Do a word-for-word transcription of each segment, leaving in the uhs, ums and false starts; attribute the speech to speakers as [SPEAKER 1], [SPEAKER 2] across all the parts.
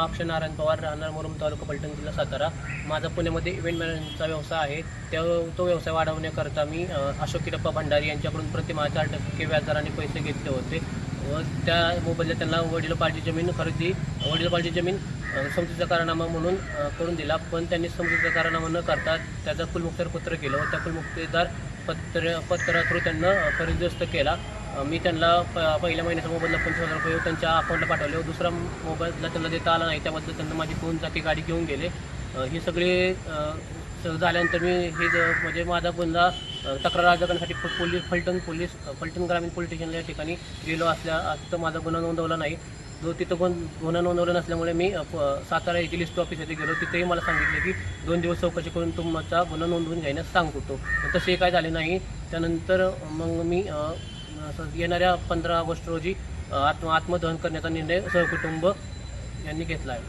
[SPEAKER 1] अक्षय नारायण पवार, राहणार मुरुम, तालुका पलटण, जिल्हा सातारा. माझा पुण्यामध्ये इव्हेंट मॅनेजमेंटचा व्यवसाय आहे. त्या तो व्यवसाय वाढवण्याकरता मी अशोक किरप्पा भंडारी यांच्याकडून प्रतिमाह चार टक्के व्याजदराने पैसे घेतले होते व त्या मोबदल्यात त्यांना वडिलोपार्जित जमीन खरेदी वडिलोपार्जित जमीन समजुतीचा करारनामा म्हणून करून दिला. पण त्यांनी समजुतीचा करारनामा न करता त्याचा कुलमुक्तेदार पत्र केलं व त्या कुलमुक्तेदार पत्र पत्रा थ्रू त्यांना खरेदीग्रस्त केला. मी त्यांना प पहिल्या महिन्याचा मोबदला पंचवीस हजार रुपये त्यांच्या अकाउंटला पाठवले व दुसरा मोबदला त्यांना देता आला नाही. त्याबद्दल त्यांना माझी दोन चाकी गाडी घेऊन गेले. ही सगळे झाल्यानंतर मी हे म्हणजे माझा गुन्हा तक्रार अर्ज करण्यासाठी पोलीस फलटण पोलीस फलटण ग्रामीण पोलीस स्टेशनला या ठिकाणी गेलो असल्या तर माझा गुन्हा नोंदवला नाही. जो तिथं गुण गुन्हा नोंदवला नसल्यामुळे मी सातारा येथील लिस्ट ऑफिस येथे गेलो. तिथेही मला सांगितले की दोन दिवस चौकशी करून तुमचा गुन्हा नोंदवून घेण्यास सांगतो. तसे काय झाले नाही. त्यानंतर मग मी येणाऱ्या पंधरा ऑगस्ट रोजी आत्म आत्मदहन करण्याचा निर्णय सहकुटुंब यांनी घेतला आहे.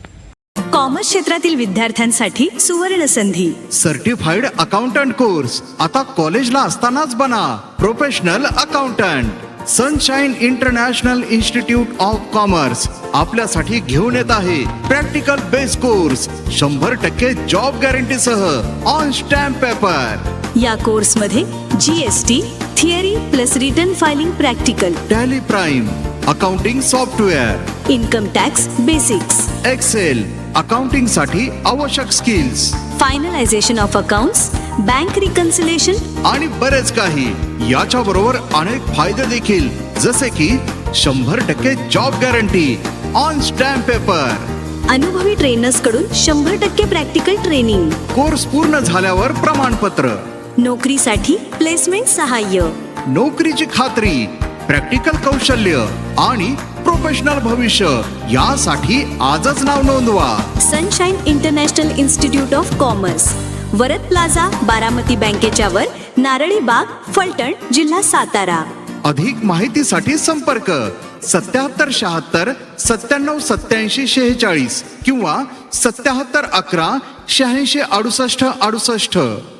[SPEAKER 2] कॉमर्स क्षेत्रातील विद्यार्थ्यांसाठी सुवर्ण संधी.
[SPEAKER 3] सर्टिफाईड अकाउंटंट कोर्स आता कॉलेजला असतानाच बना professional accountant. Sunshine international institute of commerce आपल्यासाठी घेऊन येत आहे प्रॅक्टिकल बेस कोर्स शंभर टक्के जॉब गॅरंटी सह ऑन स्टॅम्प पेपर.
[SPEAKER 2] या कोर्स मध्ये GST theory plus return filing practical,
[SPEAKER 3] tally prime, accounting software,
[SPEAKER 2] income tax basics,
[SPEAKER 3] excel, accounting साठी आवश्यक skills,
[SPEAKER 2] finalisation of accounts, bank reconciliation
[SPEAKER 3] आणि बरेच काही. याच्या बरोबर अनेक फायदे देखील जसे की शंभर टक्के job guarantee on stamp paper,
[SPEAKER 2] अनुभवी ट्रेनर्स कडून शंभर टक्के प्रॅक्टिकल ट्रेनिंग,
[SPEAKER 3] कोर्स पूर्ण झाल्यावर प्रमाणपत्र,
[SPEAKER 2] नोकरीसाठी प्लेसमेंट सहाय्य,
[SPEAKER 3] नोकरीची खात्री, प्रॅक्टिकल कौशल्य आणि प्रोफेशनल भविष्य यासाठी आजच नाव नोंदवा.
[SPEAKER 2] Sunshine international institute of commerce, Varad plaza, Baramati बँकेच्या वर, नारळी बाग, फलटण, जिल्हा सातारा.
[SPEAKER 3] अधिक माहितीसाठी संपर्क सत्याहत्तर शहात्तर सत्त्याण्णव सत्याऐंशी शेहेचाळीस किंवा सत्याहत्तर अकरा शहाऐंशी अडुसष्ट अडुसष्ट.